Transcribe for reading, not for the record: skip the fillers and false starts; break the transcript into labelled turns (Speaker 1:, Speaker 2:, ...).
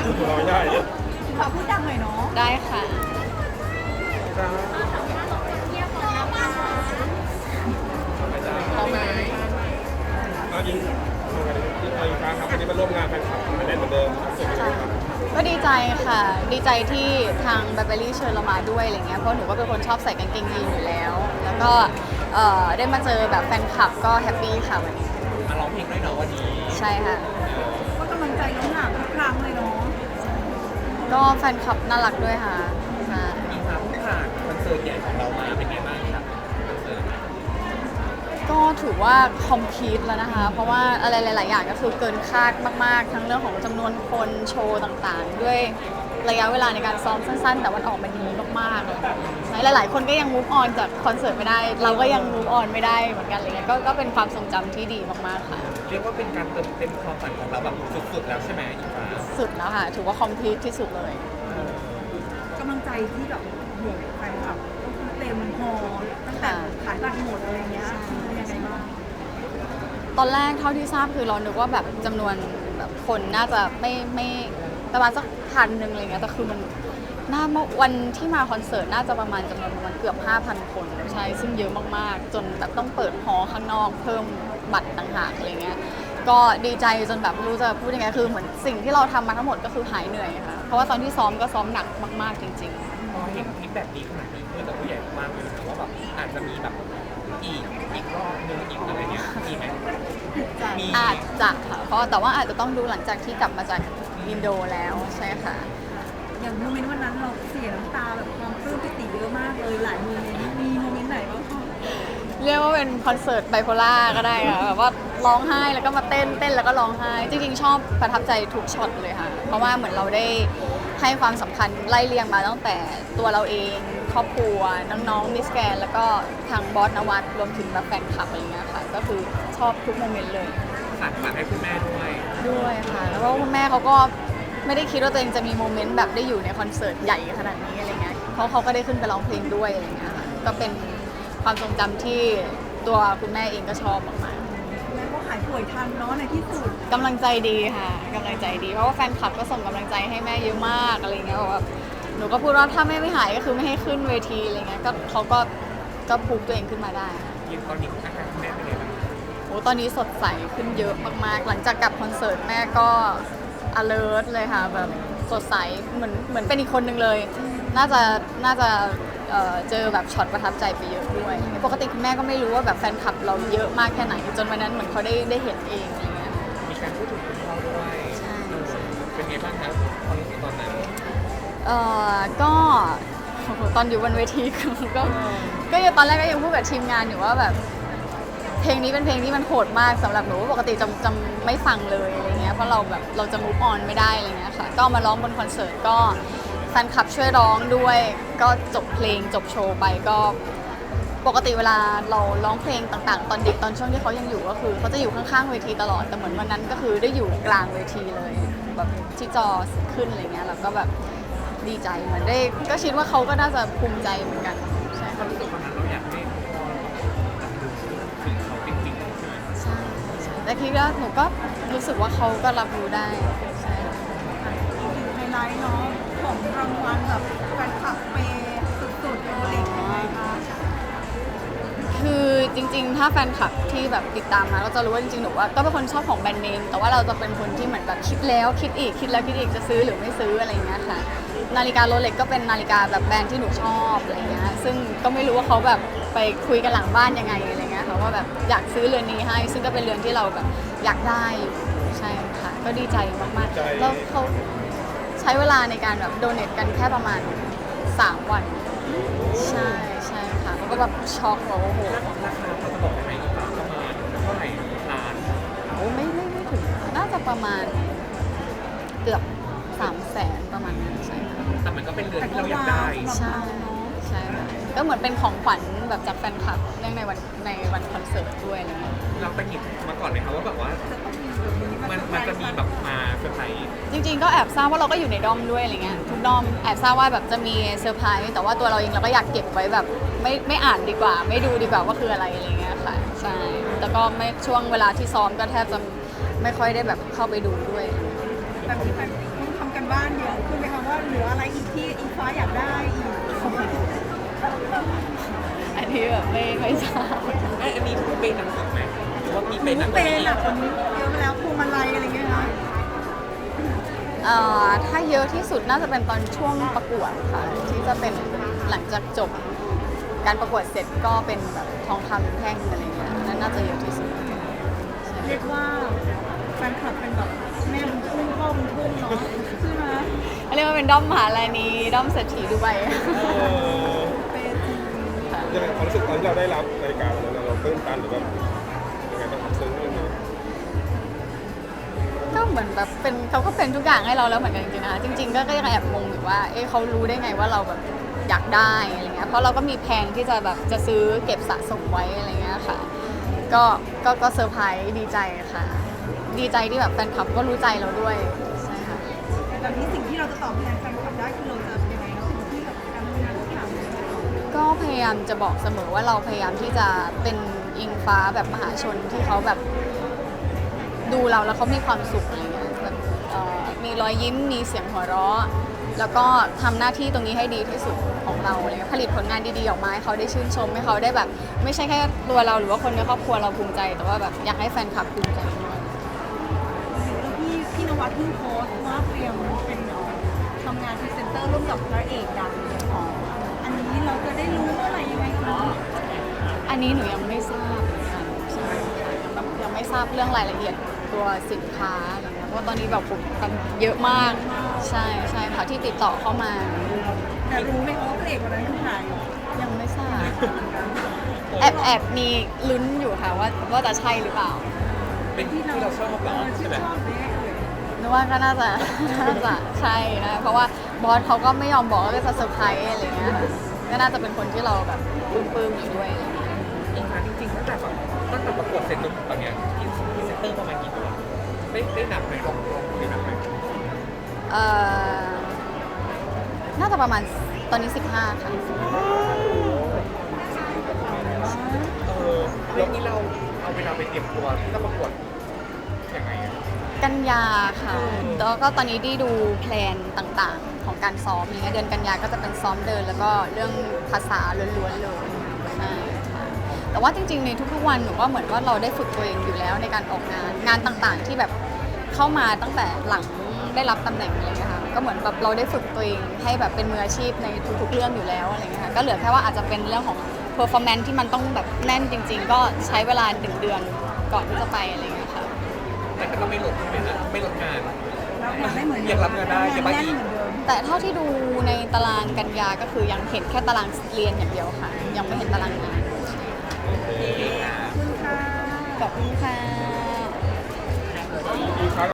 Speaker 1: เราไม่ได้
Speaker 2: ขอพูดดังหน่อยเนาะ
Speaker 3: ได้ค่ะพร้อมไหม
Speaker 1: เอายิงเอาอีกครั้งครับวันนี้มาร่วมงานแฟนคลับมาแน่นเหมือนเดิมรู้สึกยังไงครับ
Speaker 3: ก็ดีใจค่ะ ดีใจที่ทางแบเบอรี่เชิญเรามาด้วยอะไรเงี้ยเพราะหนูก็เป็นคนชอบใส่กางเกงยีนอยู่แล้ว แล้วก็ได้มาเจอแบบแฟนคลับก็แฮปปี้ค่ะวันนี้
Speaker 4: มาร้องเพลงด้วยเนาะวันนี้
Speaker 3: ใช่ค่ะ
Speaker 2: ก็กำลังใจน้องหนามทุกครั้งเลยเนาะ
Speaker 3: ก็แฟนคลับน่ารักด้วยค่ะ
Speaker 4: มีความผ่านคอนเสิร์ตใหญ่ของเรามาเป็นไงบ้างครับคอนเสิร์ต
Speaker 3: ก็ถือว่าคอมพลีทแล้วนะคะ เพราะว่าอะไรหลายๆอย่างก็คือเกินคาดมากๆ ทั้งเรื่องของจำนวนคนโชว์ต่างๆ ด้วยระยะเวลาในการซ้อมสั้นๆ แต่มันออกมาดีมากๆหลายๆคนก็ยังมูฟออนจากคอนเสิร์ตไม่ได้ เราก็ยังมูฟออนไม่ได้เหมือนกันอะไรเงี้ยก็เป็นความทรงจำที่ดีมากๆค่ะ
Speaker 4: เรียกว่าเป็นการเติมเต็มความฝันของเราแบบสุดๆแล้วใช่ไหมอีฟ้า
Speaker 3: สุดแล้วค่ะถือว่าคอมพลีทที่สุดเลย
Speaker 2: กำลังใจที่แบบโหแฟนคลับก็คือเต็มฮอลตั้งแต่ขายบัตรหมดอะไรเงี้ยเป็นยังไงบ้าง
Speaker 3: ตอนแรกเท่าที่ทราบคือเรานึกว่าแบบจำนวนแบบคนน่าจะไม่ประมาณสัก1,000อะไรเงี้ยแต่คือมันวันที่มาคอนเสิร์ตน่าจะประมาณจำนวนประมาณเกือบ 5,000 คนใช่ซึ่งเยอะมากๆจนแบบต้องเปิดฮอลล์ข้างนอกเพิ่มบัตรต่างหากอะไรเงี้ยก็ดีใจจนแบบไม่รู้จะพูดยังไงคือเหมือนสิ่งที่เราทำมาทั้งหมดก็คือหายเหนื่อยค่ะเพราะว่าตอนที่ซ้อมก็ซ้อมหนักมากๆจริง
Speaker 4: พอเห็นคลิปแบบนี้ขนาดนี้คือแต่ผู้ใหญ่มากเลยนะว่าแบบอาจจะมีแบบอีกรอบนึงอีกอะไรเงี้ยมีไหม
Speaker 3: ๆอาจจะค่ะเพราะแต่ว่าอาจจะต้องดูหลังจากที่กลับมาจากอินโดแล้วใช่ค่ะ
Speaker 2: อย่างโมเมนต์วันนั้นเราเสียน้ำตาแบบความปลื้มปิติเยอะมากเลยหลายโมเมนต์มีโมเมนต์ไหนบ้างคะ
Speaker 3: เรียกว่าเป็นคอนเสิร์ตไบโพล่าก็ได้ค่ะแบบว่าร้องไห้แล้วก็มาเต้นแล้วก็ร้องไห้จริงๆชอบประทับใจทุกช็อตเลยค่ะเพราะว่าเหมือนเราได้ให้ความสำคัญไล่เรียงมาตั้งแต่ตัวเราเองครอบครัวน้องๆมิสแกรนแล้วก็ทางบอสนวัตรวมถึงแบบแฟนคลับอะไรเงี้ยค่ะก็คือชอบทุกโมเมนต์เลย
Speaker 4: ฝากให้คุณแม่
Speaker 3: ด้วยค่ะแล้วก็คุณแม่เขาก็ไม่ได้คิดว่าตัวเองจะมีโมเมนต์แบบได้อยู่ในคอนเสิร์ตใหญ่ขนาดนี้อะไรเงี้ยเพราะเขาก็ได้ขึ้นไปร้องเพลงด้วยอะไรเงี้ยค่ะก็เป็นความทรงจำที่ตัวคุณแม่เองก็ชอบมาก
Speaker 2: แม่ก็หายป่วยทันเนาะในที่สุด
Speaker 3: ๆกำลังใจดีค่ะกำลังใจดีเพราะว่าแฟนคลับก็ส่งกำลังใจให้แม่เยอะมากอะไรเงี้ยแบบหนูก็พูดว่าถ้าแม่ไม่หายก็คือไม่ให้ขึ้นเวทีอะไรเงี้ยก็เขาก็พูดตัวเองขึ้นมาได้
Speaker 4: ยินตอนนี้อาการแม่เป็นไงบ้าง
Speaker 3: โอ้ตอนนี้สดใสขึ้นเยอะมากๆหลังจากกลับคอนเสิร์ตแม่ก็ alert เลยค่ะแบบสดใสเหมือนเป็นอีกคนนึงเลยน่าจะเจอแบบช็อตประทับใจไปเยอะด้วยปกติคุณแม่ก็ไม่รู้ว่าแบบแฟนคลับเราเยอะมากแค่ไหนจนวันนั้นเหมือนเขาได้เห็นเองอะไรเงี้ย
Speaker 4: มีการพูดถึงคุณพ่อด้วย
Speaker 3: ใช่
Speaker 4: เป็นไงบ้างครับความรู้สึกตอนนั้น
Speaker 3: ก็ตอนอยู่บนเวทีก็ยังตอนแรกก็ยังพูดกับทีมงานอยู่ว่าแบบเพลงนี้เป็นเพลงที่มันโหดมากสำหรับหนูปกติจะไม่ฟังเลยอะไรเงี้ยเพราะเราจะ move on ไม่ได้อะไรเงี้ยค่ะก็มาร้องบนคอนเสิร์ตก็แฟนคลับช่วยร้องด้วยก็จบเพลงจบโชว์ไปก็ปกติเวลาเราร้องเพลงต่างๆตอนเด็กตอนช่วงที่เขายังอยู่ก็คือเขาจะอยู่ข้างๆเวทีตลอดแต่เหมือนวันนั้นก็คือได้อยู่กลางเวทีเลยแบบที่จอขึ้นอะไรเงี้ยแล้วก็แบบดีใจเหมือนได้ก็คิดว่าเขาก็น่าจะภูมิใจเหมือนกันใช่
Speaker 4: ความรู้สึกตอนนั้นเราอยากให้พ่อถึงเขาจริงๆ
Speaker 3: ใช่แต่คิดว่าหนูก็รู้สึกว่าเขาก็รับรู้ได้ใช่
Speaker 2: ไฮไลท์เนาะของรางวัลแบบแฟนคลับเปสุดๆโอลิงยังไงคะ
Speaker 3: คือจริงๆถ้าแฟนคลับที่แบบติดตามมาก็จะรู้ว่าจริงๆหนูว่าก็เป็นคนชอบของแบรนด์เนมแต่ว่าเราจะเป็นคนที่เหมือนแบบคิดแล้วคิดอีกคิดแล้วคิดอีกจะซื้อหรือไม่ซื้ออะไรอย่างเงี้ยค่ะนาฬิกาโรเล็กก็เป็นนาฬิกาแบบแบรนด์ที่หนูชอบอะไรเงี้ยซึ่งก็ไม่รู้ว่าเขาแบบไปคุยกันหลังบ้านยังไงอะไรเงี้ยค่ะว่าแบบอยากซื้อเรือนนี้ให้ซึ่งก็เป็นเรือนที่เราแบบอยากได้ใช่ค่ะก็ดีใจมากๆแล้วเขาใช้เวลาในการแบบโดเนทกันแค่ประมาณ3 วันใช่ค่ะแล้วก็แบบช็อกว่าโอ้โห
Speaker 4: ราคาเขาจะบอกได้ไหมอีกประมาณเท่าไหร่ล้าน
Speaker 3: โอ้ไม่ถึงน่าจะประมาณเกือบ300,000ประมาณนั้นใช่ค่ะ
Speaker 4: แต่มันก็เป็นเรือนที่เราอยากได้
Speaker 3: ใช่ค่ะก็เหมือนเป็นของขวัญแบบจากแฟนคลับเนื่องในวันคอนเสิร์ตด้วยอะไรเงี้ย
Speaker 4: เราไปหยิบมาก่อนเลยค่ะว่าแบบว่ามันจะมีแบบมาเซอร์ไพรส์
Speaker 3: จริงๆก็แอบทราบว่าเราก็อยู่ในด้อมด้วยอะไรเงี้ยทุกด้อมแอบทราบว่าแบบจะมีเซอร์ไพรส์แต่ว่าตัวเราเองเราก็อยากเก็บไว้แบบไม่อ่านดีกว่าไม่ดูดีกว่าว่าคืออะไรอะไรเงี้ยค่ะใช่แต่ก็ไม่ช่วงเวลาที่ซ้อมก็แทบจะไม่ค่อยได้แบบเข้าไปดูด้วย
Speaker 2: แบบนี้แฟนต้องทำกันบ้านเยอะขึ้นไหมคะว่าเหลืออะไรอีกที่อิงฟ้าอยากได้อีก
Speaker 3: อันนี้แบบไม่ทราบ
Speaker 4: อันนี้เป็นหนังสือไหมหรือว่ามีเป็นหนังสื
Speaker 2: เป็นอ่ะคนนี้เยอะไปแล้วพวงมาลัยอะไรเงี้ยนะ
Speaker 3: ถ้าเยอะที่สุดน่าจะเป็นตอนช่วงประกวดค่ะ ที่จะเป็นหลังจากจบการประกวดเสร็จก็เป็นแบบทองคำแท่งอะไรเงี้ยนั่นน่าจะเยอะที่สุด
Speaker 2: เรียกว่าแฟนคลับเป็นแบบแม่บุญทุ่งพ่อบุญทุ่งเนาะใช่ไหม
Speaker 3: เรียกว่าเป็นด้อมมหาลานีด้อมเศรษฐีดูไบ
Speaker 2: เป็นจริง
Speaker 1: ยังไงความรู้สึกตอนที่เราได้รับนาฬิกาวันนั้นเราตื้นตันหรือแบบยังไงบ้างครับซึ้งยังไง
Speaker 3: ก็เหมือนแบบเป็นเขาก็เป็นทุกอย่างให้เราแล้วเหมือนกันจริงๆนะคะจริงๆก็ยังแอบงงอยู่ว่าเอ๊ะเขารู้ได้ไงว่าเราแบบอยากได้อะไรเงี้ยเพราะเราก็มีแผนที่จะแบบจะซื้อเก็บสะสมไว้อะไรเงี้ยค่ะก็เซอร์ไพรส์ดีใจค่ะ ดีใจที่แบบแฟนคลับก็รู้ใจเราด้วยใช่ค่ะ
Speaker 2: แบบนี้สิ่งที่เราจะตอบแทนแฟนคลับได้คือเราจะยังไงเนาะสิ่งที่แบบการทำงานทุกอย่าง
Speaker 3: ก็พยายามจะบอกเสมอว่าเราพยายามที่จะเป็นอิงฟ้าแบบมหาชนที่เขาแบบดูเราแล้วเขามีความสุขอะไรเงี้ยแบบมีรอยยิ้มมีเสียงหัวเราะแล้วก็ทำหน้าที่ตรงนี้ให้ดีที่สุดของเราอะไรเงี้ยผลิตผลงานดีๆออกมาให้เขาได้ชื่นชมให้เขาได้แบบ ไม่ใช่แค่ตัวเราหรือว่าคนในครอบครัวเราภูมิใจ แต่ว่าแบบอยากให้แฟนคลับภูมิใจด้วย
Speaker 2: แล้วพี่นวัดเพิ่งโพสต์ว่าเตรียมเป็นทำงานพรีเซนเตอร์ร่วมกับพระเอกดังอันนี้เราจะได้รู้เมื่อไหร่ยังไงคะ
Speaker 3: อันนี้หนูยังไม่ทราบเหมือนกันใช่ค่ะยังไม่ทราบเรื่องรายละเอียดตัวสินค้าอะไรเงี้ยเพราะว่าตอนนี้แบบผมกันเยอะมากใช่ค่ะที่ติดต่อเข้ามา
Speaker 2: แต่รู้ไหมคะว่าพระเอกวันนั้นคือใคร
Speaker 3: ยังไม่ทราบแอบมีลุ้นอยู่ค่ะว่าจะใช่หรือเปล่า
Speaker 4: เป็นที่เราชอบเหรอ
Speaker 2: ชื่
Speaker 4: ใช่
Speaker 2: น
Speaker 4: ไหม
Speaker 2: ชอบเลย
Speaker 3: นึกว่าก็น่าจะใช่นะเพราะว่าบอสเขาก็ไม่ยอมบอกว่าจะเซอร์ไพรส์อะไรเงี้ยค่ะก็น่าจะเป็นคนที่เราแบบปลื้มๆอยู่ด้วยอะไรเงี้ย
Speaker 4: อีกครั้งจริงๆตั้งแต่ประกวดเสร็จจนถึงตอนเนี้ยพรีเซนเตอร์ประมาณกี่ตัวได้นับไหมลองได้นับไหม
Speaker 3: น่าจะประมาณตอนนี้ 15 ค่ะ
Speaker 4: เรื่องนี้เราเอาเวลาไปเตรียมตัวที่จะประกวดยังไงอะ
Speaker 3: กันยาค่ะ แล้วก็ตอนนี้ได้ดูแพลนต่างๆ ของการซ้อมอย่างเงี้ยเดือนกันยาก็จะเป็นซ้อมเดิน แล้วก็เรื่องภาษาล้วนๆเลยใช่ค่ะแต่ว่าจริงๆในทุกๆวันหนูว่าเหมือนว่าเราได้ฝึกตัวเองอยู่แล้วในการออกงานต่างๆ ที่แบบเข้ามาตั้งแต่หลังได้รับตำแหน่งอะไรเงี้ยค่ะก็เหมือนแบบเราได้ฝึกตัวเองให้แบบเป็นมืออาชีพในทุกๆเรื่องอยู่แล้วอะไรเงี้ยค่ะก็เหลือแค่ว่าอาจจะเป็นเรื่องของ performance ที่มันต้องแบบแน่นจริง ๆ ก็ใช้เวลา1 เดือนก่อนที่จะไปอะไรเงี้ยค่ะ
Speaker 4: แต่ก็ไม่ลดใช่ไหมนะไม่ลดงาน
Speaker 2: รับงานได้เหมือน
Speaker 4: ยังรับงานได้ยังไม่
Speaker 2: แน่น
Speaker 4: อีก
Speaker 2: เหมือนเดิม
Speaker 3: แต่เท่าที่ดูในตารางกันยาก็คือยังเห็นแค่ตารางเรียนอย่างเดียวค่ะ ยังไม่เห็นตารางงาน
Speaker 2: ขอบคุณค่ะ
Speaker 3: ขอบคุณค่ะ
Speaker 1: อีกครั้ง